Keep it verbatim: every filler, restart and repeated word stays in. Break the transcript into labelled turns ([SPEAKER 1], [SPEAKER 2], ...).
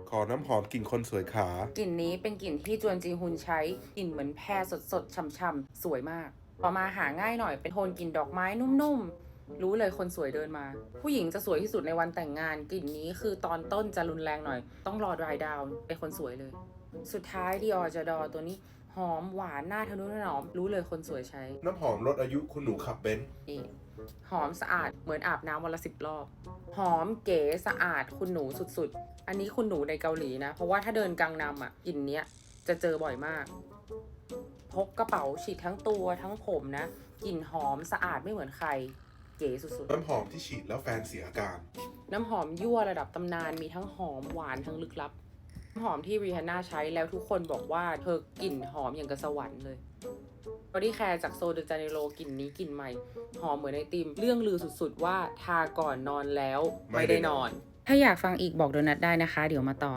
[SPEAKER 1] ขอน้ำหอมกลิ่นคนสวยขาก
[SPEAKER 2] ลิ่นนี้เป็นกลิ่นที่จวนจีฮุนใช้กลิ่นเหมือนแพรสดๆช่ำๆสวยมากต่อมาหาง่ายหน่อยเป็นโทนกลิ่นดอกไม้นุ่มๆรู้เลยคนสวยเดินมาผู้หญิงจะสวยที่สุดในวันแต่งงานกลิ่นนี้คือตอนต้นจะรุนแรงหน่อยต้องรอ dry down เป็นคนสวยเลยสุดท้าย Dior J'adore ตัวนี้หอมหวานหน้าทะนุถนอมรู้เลยคนสวยใช้
[SPEAKER 1] น้ำหอมลดอายุคุณหนูขับเบนซ์
[SPEAKER 2] นี่หอมสะอาดเหมือนอาบน้ำวันละสิบรอบหอมเก๋สะอาดคุณหนูสุดๆอันนี้คุณหนูในเกาหลีนะเพราะว่าถ้าเดินกังนำอ่ะกลิ่นเนี้ยจะเจอบ่อยมากพกกระเป๋าฉีดทั้งตัวทั้งผมนะกลิ่นหอมสะอาดไม่เหมือนใครเก๋สุดๆ
[SPEAKER 1] น้ำหอมที่ฉีดแล้วแฟนเสียอาการ
[SPEAKER 2] น้ำหอมยั่วระดับตำนานมีทั้งหอมหวานทั้งลึกลับน้ำหอมที่รีฮาน่าใช้แล้วทุกคนบอกว่าเธอกลิ่นหอมอย่างกับสวรรค์เลยบอดี้แคร์จากโซเดจาเนโรกลิ่นนี้กลิ่นใหม่หอมเหมือนไอติมเรื่องลือสุดๆว่าทาก่อนนอนแล้วไม่ได้นอน ถ้าอยากฟังอีกบอกโดนัทได้นะคะเดี๋ยวมาต่อ